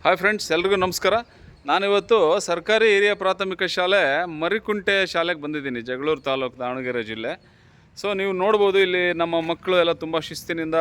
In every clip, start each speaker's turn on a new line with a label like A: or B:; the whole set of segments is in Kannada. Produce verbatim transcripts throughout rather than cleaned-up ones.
A: ಹಾಯ್ ಫ್ರೆಂಡ್ಸ್, ಎಲ್ರಿಗೂ ನಮಸ್ಕಾರ. ನಾನಿವತ್ತು ಸರ್ಕಾರಿ ಹಿರಿಯ ಪ್ರಾಥಮಿಕ ಶಾಲೆ ಮರಿಕುಂಟೆ ಶಾಲೆಗೆ ಬಂದಿದ್ದೀನಿ, ಜಗಳೂರು ತಾಲೂಕು, ದಾವಣಗೆರೆ ಜಿಲ್ಲೆ. ಸೊ ನೀವು ನೋಡ್ಬೋದು, ಇಲ್ಲಿ ನಮ್ಮ ಮಕ್ಕಳು ಎಲ್ಲ ತುಂಬ ಶಿಸ್ತಿನಿಂದ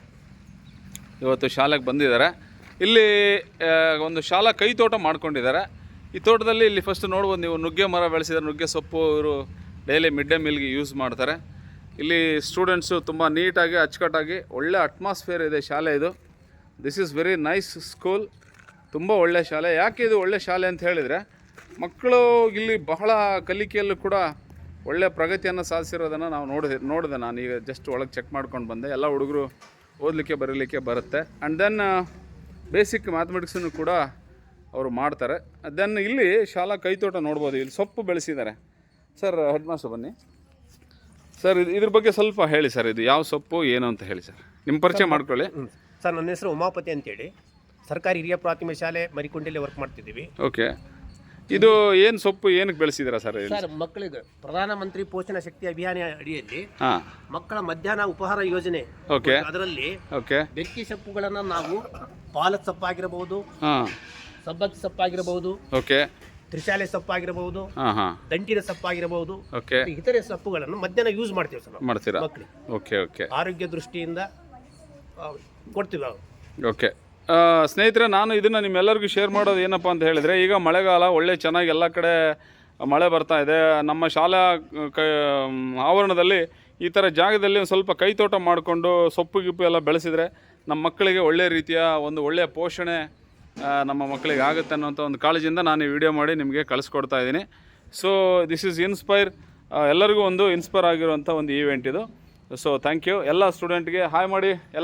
A: ಇವತ್ತು ಶಾಲೆಗೆ ಬಂದಿದ್ದಾರೆ. ಇಲ್ಲಿ ಒಂದು ಶಾಲಾ ಕೈ ತೋಟ ಮಾಡ್ಕೊಂಡಿದ್ದಾರೆ. ಈ ತೋಟದಲ್ಲಿ ಇಲ್ಲಿ ಫಸ್ಟ್ ನೋಡ್ಬೋದು ನೀವು, ನುಗ್ಗೆ ಮರ ಬೆಳೆಸಿದ್ದಾರೆ. ನುಗ್ಗೆ ಸೊಪ್ಪು ಇವರು ಡೈಲಿ ಮಿಡ್ ಡೇ ಮೀಲ್ಗೆ ಯೂಸ್ ಮಾಡ್ತಾರೆ. ಇಲ್ಲಿ ಸ್ಟೂಡೆಂಟ್ಸು ತುಂಬ ನೀಟಾಗಿ ಅಚ್ಚುಕಟ್ಟಾಗಿ ಒಳ್ಳೆ ಅಟ್ಮಾಸ್ಫಿಯರ್ ಇದೆ ಶಾಲೆ ಇದು. This is very nice school. ತುಂಬ ಒಳ್ಳೆಯ ಶಾಲೆ. ಯಾಕೆ ಇದು ಒಳ್ಳೆಯ ಶಾಲೆ ಅಂತ ಹೇಳಿದರೆ, ಮಕ್ಕಳು ಇಲ್ಲಿ ಬಹಳ ಕಲಿಕೆಯಲ್ಲೂ ಕೂಡ ಒಳ್ಳೆಯ ಪ್ರಗತಿಯನ್ನು ಸಾಧಿಸಿರೋದನ್ನು ನಾವು ನೋಡಿದೆ ನೋಡಿದೆ ನಾನು ಈಗ ಜಸ್ಟ್ ಒಳಗೆ ಚೆಕ್ ಮಾಡ್ಕೊಂಡು ಬಂದೆ. ಎಲ್ಲ ಹುಡುಗರು ಓದಲಿಕ್ಕೆ ಬರೀಲಿಕ್ಕೆ ಬರುತ್ತೆ. ಆ್ಯಂಡ್ ದೆನ್ ಬೇಸಿಕ್ ಮ್ಯಾಥಮೆಟಿಕ್ಸನ್ನು ಕೂಡ ಅವರು ಮಾಡ್ತಾರೆ. ದೆನ್ ಇಲ್ಲಿ ಶಾಲಾ ಕೈತೋಟ ನೋಡ್ಬೋದು, ಇಲ್ಲಿ ಸೊಪ್ಪು ಬೆಳೆಸಿದ್ದಾರೆ. ಸರ್, ಹೆಡ್ ಮಾಸ್ಟರ್ ಬನ್ನಿ ಸರ್, ಇದು ಇದ್ರ ಬಗ್ಗೆ ಸ್ವಲ್ಪ ಹೇಳಿ ಸರ್. ಇದು ಯಾವ ಸೊಪ್ಪು ಏನು ಅಂತ ಹೇಳಿ ಸರ್, ನಿಮ್ಮ ಪರಿಚಯ ಮಾಡ್ಕೊಳ್ಳಿ.
B: ಸರ್, ನನ್ನ ಹೆಸರು ಉಮಾಪತಿ ಅಂತೇಳಿ, ಸರ್ಕಾರಿ ಹಿರಿಯ ಪ್ರಾಥಮಿಕ ಶಾಲೆ ಮರಿಕುಂಟೆಯಲ್ಲಿ ವರ್ಕ್ ಮಾಡ್ತಿದ್ದೀವಿ.
A: ಓಕೆ, ಇದು ಏನು ಸೊಪ್ಪು ಏನಕ್ಕೆ ಬೆಳೆಸಿದ್ದೀರಾ ಸರ್?
B: ಸರ್, ಮಕ್ಕಳಿಗೆ ಪ್ರಧಾನಮಂತ್ರಿ ಪೋಷಣ ಶಕ್ತಿ ಅಭಿಯಾನ ಅಡಿಯಲ್ಲಿ
A: ಹಾಂ
B: ಮಕ್ಕಳ ಮಧ್ಯಾಹ್ನ ಉಪಹಾರ ಯೋಜನೆ,
A: ಓಕೆ
B: ಅದರಲ್ಲಿ
A: ಓಕೆ
B: ಬೆಕ್ಕಿ ಸೊಪ್ಪುಗಳನ್ನು ನಾವು ಪಾಲಕ್ ಸೊಪ್ಪಾಗಿರಬಹುದು,
A: ಹಾಂ
B: ಸಬ್ಬಕ್ಕಿ ಸೊಪ್ಪಾಗಿರಬಹುದು,
A: ಓಕೆ
B: ತ್ರಿಶಾಲೆ ಸೊಪ್ಪಾಗಿರಬಹುದು,
A: ಹಾಂ ಹಾಂ
B: ದಂಟಿನ ಸೊಪ್ಪಾಗಿರಬಹುದು,
A: ಓಕೆ
B: ಇತರೆ ಸೊಪ್ಪುಗಳನ್ನು ಮಧ್ಯಾಹ್ನ ಯೂಸ್ ಮಾಡ್ತೀವಿ ಸರ್
A: ಮಾಡ್ತೀರಾ?
B: ಮಕ್ಕಳಿಗೆ
A: ಓಕೆ ಓಕೆ
B: ಆರೋಗ್ಯ ದೃಷ್ಟಿಯಿಂದ ಆ, ಕೊಡ್ತೀವಿ ನಾವು.
A: ಓಕೆ ಸ್ನೇಹಿತರೆ, ನಾನು ಇದನ್ನು ನಿಮ್ಮೆಲ್ಲರಿಗೂ ಶೇರ್ ಮಾಡೋದು ಏನಪ್ಪ ಅಂತ ಹೇಳಿದರೆ, ಈಗ ಮಳೆಗಾಲ ಒಳ್ಳೆ ಚೆನ್ನಾಗಿ ಎಲ್ಲ ಕಡೆ ಮಳೆ ಬರ್ತಾ ಇದೆ. ನಮ್ಮ ಶಾಲಾ ಕ ಆವರಣದಲ್ಲಿ ಈ ಥರ ಜಾಗದಲ್ಲಿ ಒಂದು ಸ್ವಲ್ಪ ಕೈತೋಟ ಮಾಡಿಕೊಂಡು ಸೊಪ್ಪು ಗಿಪ್ಪು ಎಲ್ಲ ಬೆಳೆಸಿದರೆ ನಮ್ಮ ಮಕ್ಕಳಿಗೆ ಒಳ್ಳೆಯ ರೀತಿಯ ಒಂದು ಒಳ್ಳೆಯ ಪೋಷಣೆ ನಮ್ಮ ಮಕ್ಕಳಿಗೆ ಆಗುತ್ತೆ ಅನ್ನೋಂಥ ಒಂದು ಕಾಳಜಿಯಿಂದ ನಾನು ಈ ವಿಡಿಯೋ ಮಾಡಿ ನಿಮಗೆ ಕಳಿಸ್ಕೊಡ್ತಾ ಇದ್ದೀನಿ. ಸೊ ದಿಸ್ ಈಸ್ ಇನ್ಸ್ಪೈರ್, ಎಲ್ಲರಿಗೂ ಒಂದು ಇನ್ಸ್ಪೈರ್ ಆಗಿರುವಂಥ ಒಂದು ಈವೆಂಟ್ ಇದು. So thank you. ಎಲ್ಲ ಸ್ಟೂಡೆಂಟ್ಗೆ ಹಾಯ್ ಮಾಡಿ ಎಲ್ಲ.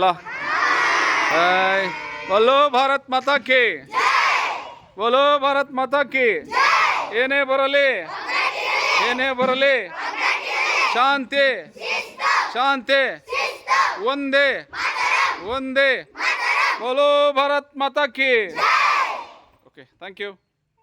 A: ಹಾಯ್, बोलो भारत माता की, बोलो भारत माता की. ಏನೇ ಬರಲಿ ಏನೇ ಬರಲಿ ಶಾಂತಿ ಶಾಂತಿ ಒಂದೇ ಒಂದೇ. बोलो भारत माता की. Okay, thank you.